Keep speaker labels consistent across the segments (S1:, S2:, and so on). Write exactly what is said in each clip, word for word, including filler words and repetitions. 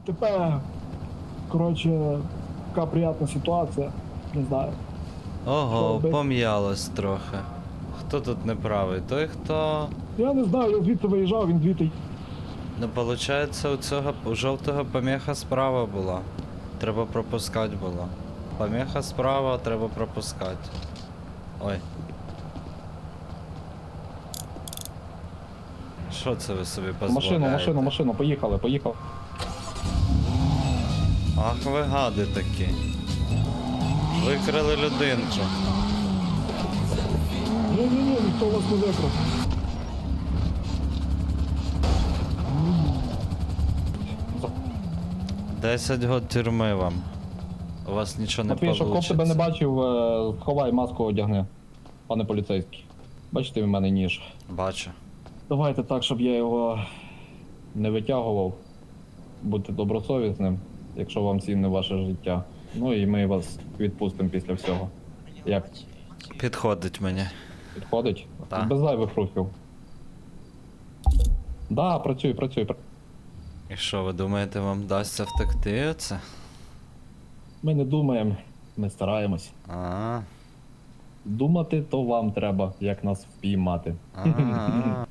S1: ДТП. Коротше, така приятна ситуація. Не знаю.
S2: Ого,
S1: робити?
S2: пом'ялось трохи. Хто тут неправий? Той, хто...
S1: Я не знаю, я звідти виїжджав, він звідти.
S2: Ну, виходить, у цього у жовтого помеха справа була. Треба пропускати було. Помеха справа, треба пропускати. Ой. Що це ви собі дозволяєте?
S3: Машину, машину, машину, поїхали, поїхали.
S2: Ах ви гади такі. Викрили людинку.
S1: Ні-ні-ні, ніхто вас не викрав.
S2: Десять год тюрми вам. У вас нічого не
S3: Матвій, щоб коп тебе не
S2: вийде.
S3: бачив, е, ховай маску одягни, пане поліцейський. Бачите, в мене ніж.
S2: Бачу.
S3: Давайте так, щоб я його не витягував. Будьте добросовісним, якщо вам цінне ваше життя. Ну і ми вас відпустимо після всього. Як
S2: Підходить мені.
S3: підходить?
S2: Так.
S3: Без зайвих рухів. Да, працюй, працюй. пр-
S2: І що, ви думаєте, вам вдасться втекти оце?
S3: Ми не думаємо, ми стараємось.
S2: А.
S3: Думати то вам треба, як нас впіймати.
S2: А.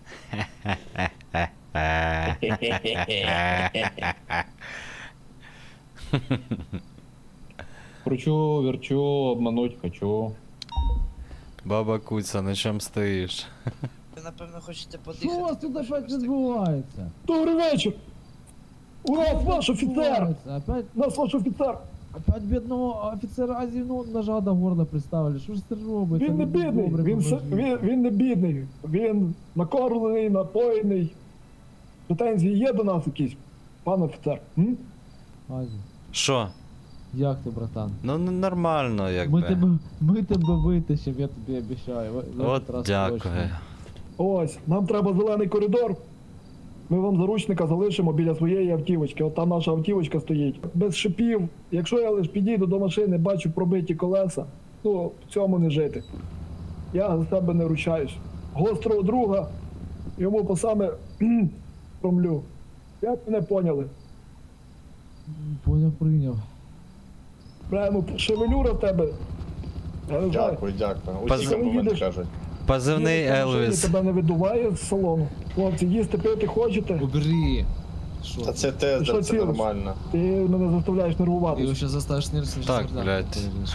S3: Кручу, верчу, обмануть хочу.
S2: Баба Куця, на чому стоїш?
S4: Ви, напевно, хочете
S5: Що у
S4: подихати.
S5: вас тут
S4: тому що
S5: опять
S4: ви так-
S5: відбувається?
S1: Добрий вечір! У нас ваш офіцер!
S5: Відбувається? Опять,
S1: У нас ваш офіцер!
S5: опять бідного офіцера Азівну ножа до горла приставили. Що ж це робиться?
S1: Він не
S5: Ну,
S1: бідний,
S5: добре,
S1: він, с-
S5: поможіть.
S1: він, він не бідний. Він накормлений, напоєний. Претензії є до нас якісь, пан офіцер? М?
S5: Азі,
S2: Що?
S5: як ти, братан?
S2: Ну, ну, нормально,
S5: Ми
S2: якби.
S5: тебе, ми тебе витащимо, я тобі обіцяю. В- в
S2: От
S5: этот раз
S2: дякую.
S5: точно.
S1: Ось, нам треба зелений коридор. Ми вам заручника залишимо біля своєї автівочки. От там наша автівочка стоїть. Без шипів. Якщо я лише підійду до машини, бачу пробиті колеса, ну, в цьому не жити. Я за себе не ручаюсь. Гострого друга, йому по саме кхм, промлю. Як мене поняли?
S5: М, Поняв, прийняв.
S1: Прямо шевелюра в тебе. Я не знаю.
S6: Дякую, дякую.
S2: Паз-
S6: Усі компліменти
S1: Їдеш?
S6: кажуть.
S2: Позивний
S1: Їдеш на машині,
S2: Елвіс.
S1: тебе не видуває з салону. Хлопці, їсти пити хочете?
S5: Убери. Що?
S6: Та це
S1: Ти
S6: теж,
S1: що
S6: це
S1: цілиш?
S6: нормально.
S1: Ти мене заставляєш
S5: Ти його
S1: нервуватися.
S5: ще заставиш нервничати.
S2: Так, блядь.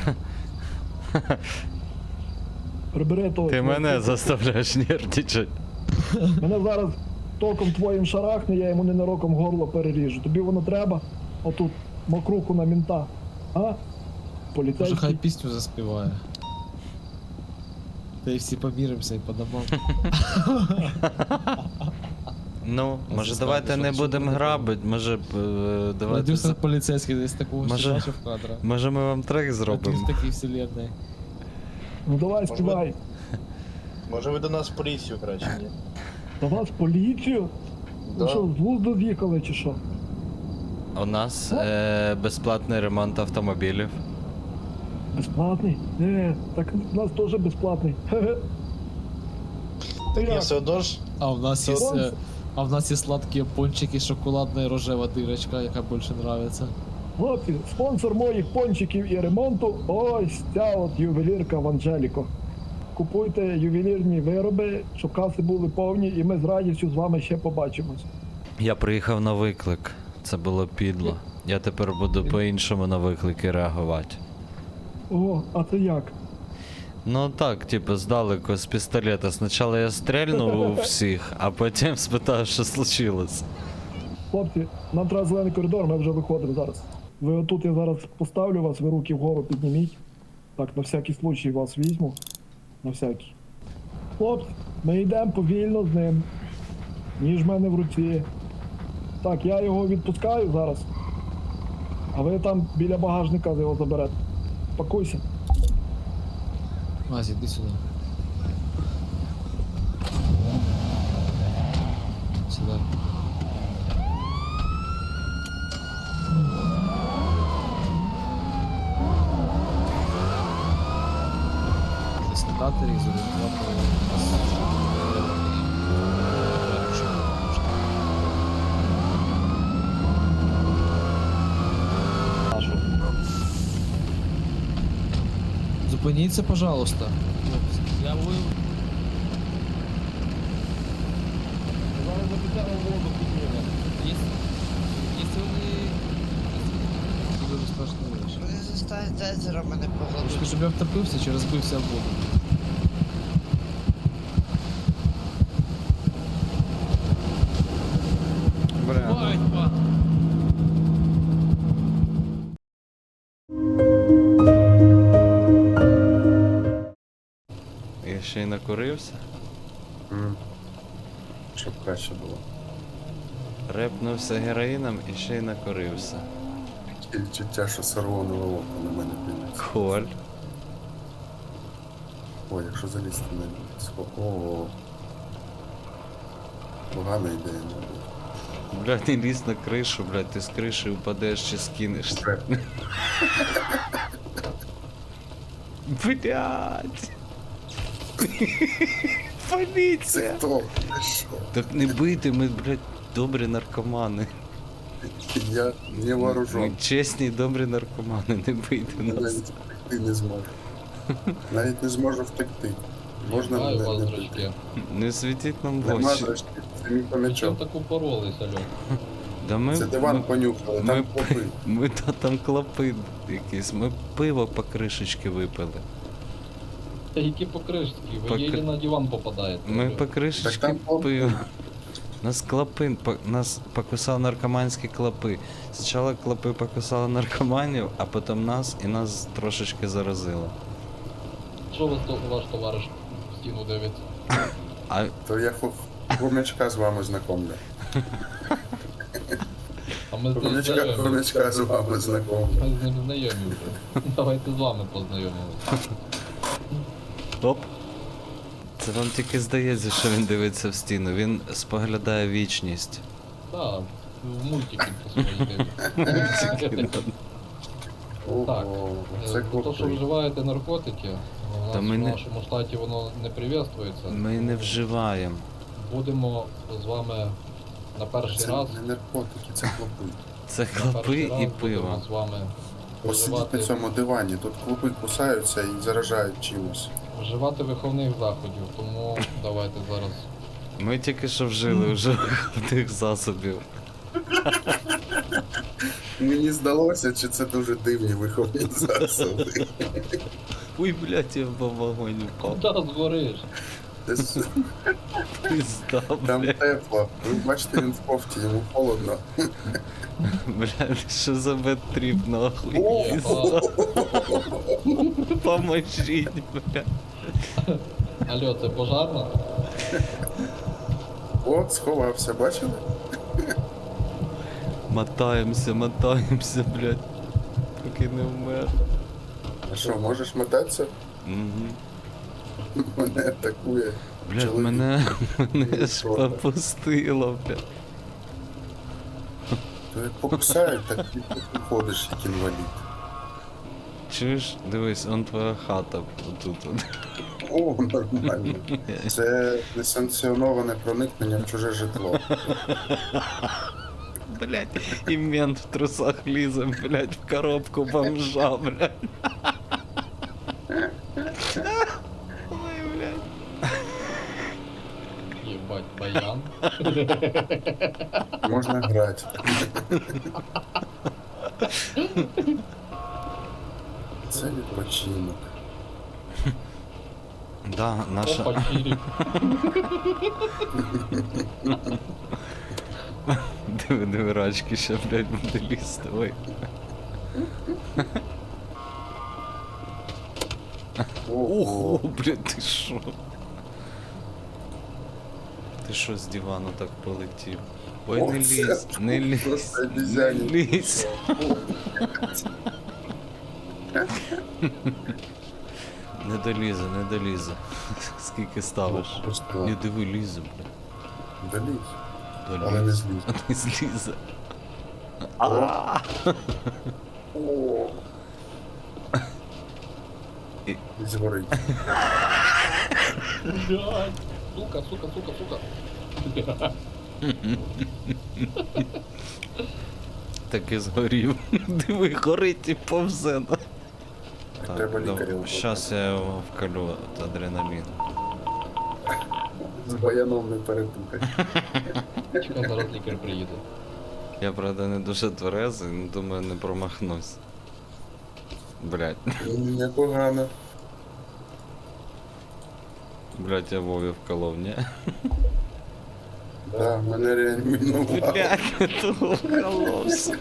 S1: Прибери того.
S2: Ти мене заставляєш нервничати.
S1: Мене зараз током твоїм шарахне, я йому ненароком горло переріжу. Тобі воно треба? Отут мокруху на мінта. А?
S5: Може, хай
S1: Поліцейський.
S5: пісню заспіває. Та й всі поміримося і по домам.
S2: Ну,
S5: А
S2: може
S5: це
S2: давайте
S5: справді,
S2: не
S5: що- що
S2: будемо
S5: буде
S2: грабити, може б, е, давайте...
S5: Продюсер
S2: за-
S5: поліцейський десь такого
S2: Може-
S5: ще бачив кадра.
S2: Може ми вам трек
S5: А ти
S2: зробимо?
S5: в такій вселенной.
S1: Ну давай
S6: Може,
S1: співай.
S6: Може ви до нас в поліцію краще, ні?
S1: До вас поліцію? Ви
S6: Да.
S1: що, з глузду з'їхали чи що?
S2: У нас е, безплатний ремонт автомобілів.
S1: Безплатний? Не, так у нас теж безплатний. Хе-хе.
S6: Так
S1: як?
S6: я все одно ж.
S5: А в нас є,
S1: Спонсор?
S5: е, а в нас є сладкі пончики, шоколадна і рожева дирочка, яка більше нравиться.
S1: Хлопці, спонсор моїх пончиків і ремонту ось ця от ювелірка в Анжеліко. Купуйте ювелірні вироби, щоб каси були повні, і ми з радістю з вами ще побачимось.
S2: Я приїхав на виклик. Це було підло. Я тепер буду по-іншому на виклики реагувати.
S1: О, а це як?
S2: Ну так, типу, здалеку з пістолета. Спочатку я стрельнув у всіх, а потім спитав, що случилось.
S1: Хлопці, нам треба зелений коридор, ми вже виходимо зараз. Ви отут я зараз поставлю вас, ви руки вгору підніміть. Так, на всякий случай вас візьму. На всякий. Хлопці, ми йдемо повільно з ним. Ніж в мене в руці. Так, я його відпускаю зараз. А ви там біля багажника його заберете. Пакуйся.
S5: Азі, іди сюди. Сюди. Заснікати і зорієнтувати нас. Зупиніться, пожалуйста. Хлопці. Я ви...
S3: Зараз запитаємо воду підніме.
S5: Якщо якщо вони... Це дуже страшна річ.
S4: Вони застануть езеро мене
S5: Трошки,
S4: погладуть.
S5: щоб я втопився чи розбився в воду.
S2: Бля, ну,
S5: Батько!
S2: я ще й накурився.
S7: М. Щоб краще було.
S2: Репнувся героїном і ще й накурився.
S7: Таке відчуття, що сорвонове око на мене дивиться.
S2: Коль.
S7: О, якщо залізти на ліс. О. Погана ідея, мабуть.
S2: Блядь, не лізь на кришу, блядь, ти з криші упадеш чи скинешся.
S7: Треп.
S2: Блядь.
S7: Це
S2: Поліція.
S7: хто? Ти що?
S2: Так не бийте, ми, блядь, добрі наркомани.
S7: Я не
S2: Ми
S7: вооружен.
S2: чесні і добрі наркомани, не бийте
S7: Я
S2: нас.
S7: навіть втекти не зможу. Навіть не зможу втекти. Можна
S8: Знаю
S7: мене
S8: вас,
S7: не
S8: дочки.
S7: бити.
S2: Не світіть нам в
S7: Нема
S2: очі.
S7: зрешті, це мій
S8: Чим
S7: помічок.
S8: так упоролись, алло?
S2: Да ми,
S7: Це диван
S2: ми,
S7: понюхали,
S2: ми,
S7: там клопи.
S2: ми та там клопи якісь, ми пиво по кришечки випили.
S8: Та які покришки, ви
S2: Покр-
S8: єлі на диван попадаєте.
S2: Ми
S8: алло.
S2: по
S7: Так
S2: кришечки
S7: там клопи.
S2: пиво. Нас клопи, по- нас покусав наркоманські клопи. Спочатку клопи покусали наркоманів, а потім нас і нас трошечки заразило.
S8: Що вас то, ваш товариш в стіну дивиться?
S2: А
S7: То я ху- хомячка з вами знакомлю.
S8: А ми з ним
S7: Хомячка,
S8: знайомі.
S7: хомячка з вами знакомлю.
S8: Ми з ним знайомі вже. Давайте з вами познайомимося.
S2: Оп. Це вам тільки здається, що він дивиться в стіну. Він споглядає вічність.
S8: Так, в мультики по своїй дивиться. Так,
S7: Ого,
S8: Е,
S7: це
S8: за те, що
S7: клопи.
S8: вживаєте наркотики, у
S2: Та
S8: нас
S2: ми
S8: в
S2: не-
S8: нашому штаті воно не прив'язується.
S2: Ми не вживаємо.
S8: Будемо з вами на перший
S7: Це
S8: раз.
S7: не наркотики, це клопи.
S2: Це
S8: на
S2: клопи
S8: перший раз
S2: і
S8: будемо
S2: пиво.
S8: з вами
S7: Посидіть
S8: вживати,
S7: на цьому дивані, тут клопи кусаються і заражають чимось.
S8: вживати виховних заходів, тому давайте зараз.
S2: Ми тільки що вжили вже тих засобів.
S7: Мені здалося, чи це дуже дивні виховні засоби.
S2: Ой, блядь, я в вогонь впав.
S8: Куди згориш?
S7: Десь
S2: Пизда,
S7: Там
S2: блядь.
S7: тепло. Ви бачите, він в кофті, йому холодно.
S2: Блядь, що за бедтріп, нахуй.
S7: О!
S2: Пизда. Поможіть, блядь.
S8: Алло, це пожарна?
S7: От, сховався, бачили?
S2: Мотаємося, мотаємося, блядь. Поки не вмер.
S7: А що, можеш мотатися?
S2: Угу.
S7: Мене атакує.
S2: Блядь,
S7: чоловік.
S2: мене, мене ж
S7: Що?
S2: попустило, блядь.
S7: То як покусають, так і ти ходиш, як інвалід.
S2: Чуєш, дивись, он твоя хата отут. от.
S7: О, нормально. Це несанкціоноване проникнення в чуже житло.
S2: Блядь, і мент в трусах лізе, блядь, в коробку бомжа, блядь. Ой, блядь.
S8: Єбать, баян.
S7: Можна грати. Це відпочинок.
S2: Да, наша...
S8: Опа, чирик.
S2: Диви, диви, рачки ще, блядь, буде лізти, ой. Ого, блядь, ти шо? Ти що з дивану так полетів? Ой,
S7: О,
S2: не
S7: це
S2: лізь, не лізь,
S7: просто
S2: не
S7: обізяні.
S2: лізь. Не долізе, не долізе. Скільки ставиш?
S7: Просто
S2: Не диви, лізе, блядь.
S7: доліз.
S2: Долізе.
S7: Але не зліз.
S2: Не злізе.
S7: О.
S2: І-
S7: І згорить.
S8: Блядь. Сука, сука, сука, сука.
S2: Так і згорів. Диви, горить і повзе. на-
S7: Так треба лікаря.
S2: Щас я його вколю от адреналін.
S7: З баяном не перепутай.
S8: Чекай, зараз лікар приїде.
S2: Я, правда, не дуже тверезий, ну думаю, не промахнусь. Блять,
S7: Непогано.
S2: блять, я Вові вколов, ні?
S7: Да, мене реанімінували.
S2: Блять, хто вколовся?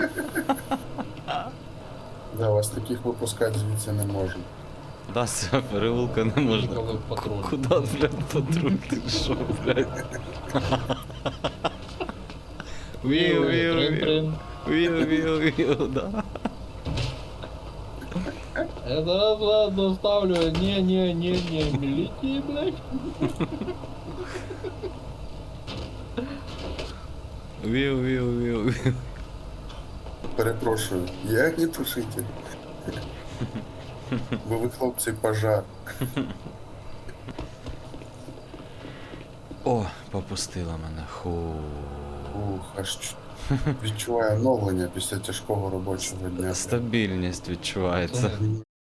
S7: Да, вас таких випускати звідси не можна.
S2: Да, з цього переулка не можна.
S8: Їхали в патруль.
S2: Куда, блядь, патруль ти шо, блядь? Віу, віу, віу.
S8: Трин-трин.
S2: Віу, віу, віу, да.
S8: Я зараз ладно ставлю. Не, не, не, не. Міліції, блядь.
S2: Віу, віу, віу, віу.
S7: Перепрошую, я не тушитель. Бо ви, хлопці, пожар.
S2: О, попустила мене. Ху.
S7: Ух, аж чу- відчуваю оновлення після тяжкого робочого дня.
S2: Стабільність відчувається.